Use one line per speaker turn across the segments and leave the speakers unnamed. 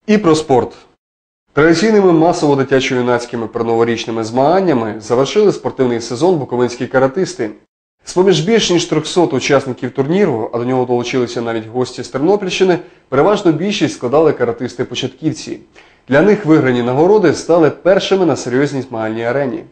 І про спорт. Традиційними масово-дитячо-юнацькими передноворічними змаганнями завершили спортивний сезон буковинські каратисти. З-поміж більш ніж 300 учасників турніру, а до нього долучилися навіть гості з Тернопільщини, переважно більшість складали каратисти-початківці. Для них виграні нагороди стали першими на серйозній змагальній арені.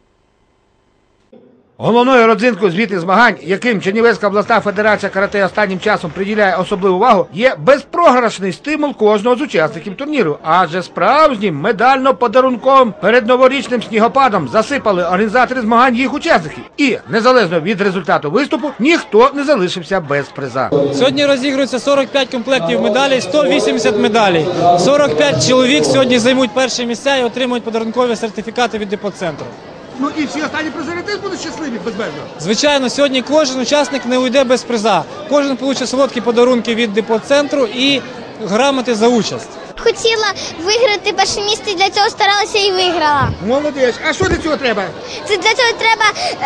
Головною родзинкою звітних змагань, яким Чернівецька обласна федерація карате останнім часом приділяє особливу увагу, є безпрограшний стимул кожного з учасників турніру. Адже справжнім медально-подарунковим передноворічним снігопадом засипали організатори змагань їх учасників. І, незалежно від результату виступу, ніхто не залишився без приза.
Сьогодні розігрується 45 комплектів медалей, 180 медалей. 45 чоловік сьогодні займуть перші місця і отримують подарункові сертифікати від депоцентру.
Ну і всі останні призери теж будуть щасливі безмежно.
Звичайно, сьогодні кожен учасник не уйде без приза. Кожен отримає солодкі подарунки від депоцентру і грамоти за участь.
Хотіла виграти перше місце, для цього старалася і виграла.
Молодець. А що для цього треба?
Для цього треба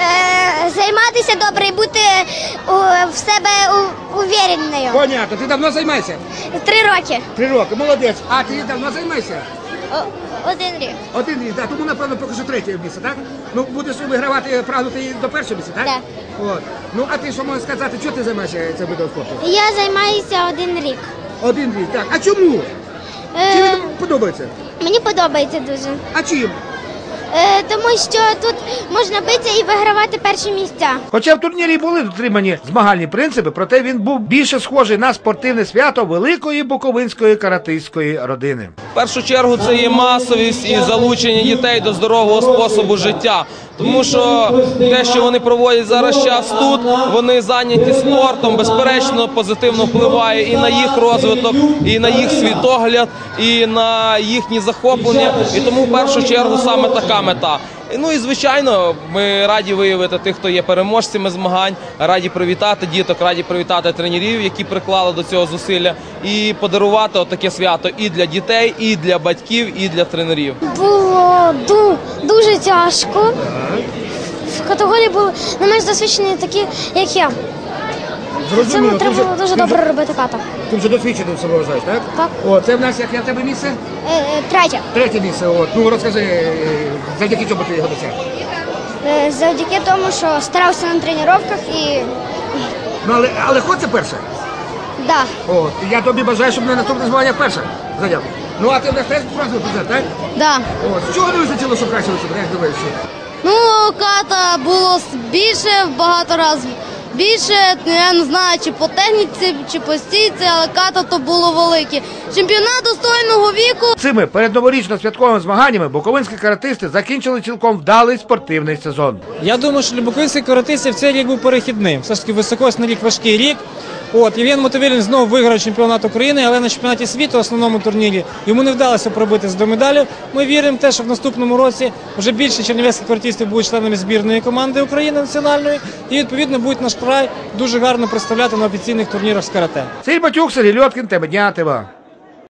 займатися добре і бути в себе уверенною.
Понятно. Ти давно займаєшся?
3 роки.
3 роки. Молодець. А ти давно займаєшся?
1 рік.
1 рік, так. Тому, напевно, поки що 3-е місце, так? Ну, будеш вигравати, прагнути до 1-го місця, так?
Так.
От. Ну, а ти що можеш сказати, чого ти займаєшся цим видом спорту?
Я займаюся 1 рік.
1 рік, так. А чому? Чи тобі подобається?
Мені подобається дуже.
А чим?
Тому що тут можна битися і вигравати перші місця.
Хоча в турнірі були дотримані змагальні принципи, проте він був більше схожий на спортивне свято великої буковинської каратистської родини.
В першу чергу це є масовість і залучення дітей до здорового способу життя. Тому що те, що вони проводять зараз час тут, вони зайняті спортом, безперечно, позитивно впливає і на їх розвиток, і на їх світогляд, і на їхні захоплення. І тому в першу чергу саме така мета. Ну і, звичайно, ми раді виявити тих, хто є переможцями змагань, раді привітати діток, раді привітати тренерів, які приклали до цього зусилля, і подарувати отаке свято і для дітей, і для батьків, і для тренерів.
Було дуже тяжко. В категорії були не менш досвідчені такі, як я. Це треба було дуже добре робити ката.
Ти вже досвідченим себе вважаєш, так?
Так.
О, це в нас яке в тебе місце?
3.
3-е місце. От. Ну, розкажи, завдяки чому ти його досяг?
Завдяки тому, що старався на тренуваннях і...
Ну, але хочеться перше?
Да.
От. Я тобі бажаю, щоб на наступне змагання перше зайняв. Ну, а ти в нас теж бронзовий призер, так?
Да.
От. З чого не вистачило, щоб краще вийшло? Як думаєш?
Ну, ката було більше в багато разів. Більше, я не знаю, чи по техніці, чи по стійці, але ката то було велике. Чемпіонат достойного віку.
Цими передноворічно-святковими змаганнями буковинські каратисти закінчили цілком вдалий спортивний сезон.
Я думаю, що для буковинських каратистів цей рік був перехідним. Все ж таки високосний рік, важкий рік. Євген Мотовилін знову виграв чемпіонат України, але на чемпіонаті світу, основному турнірі, йому не вдалося пробитися до медалів. Ми віримо в те, що в наступному році вже більше чернівецьких каратистів будуть членами збірної команди України національної і, відповідно, будуть наш край дуже гарно представляти на офіційних турнірах з карате.
Сергій Батюк, Сергій Льоткін, тема дня ТВА.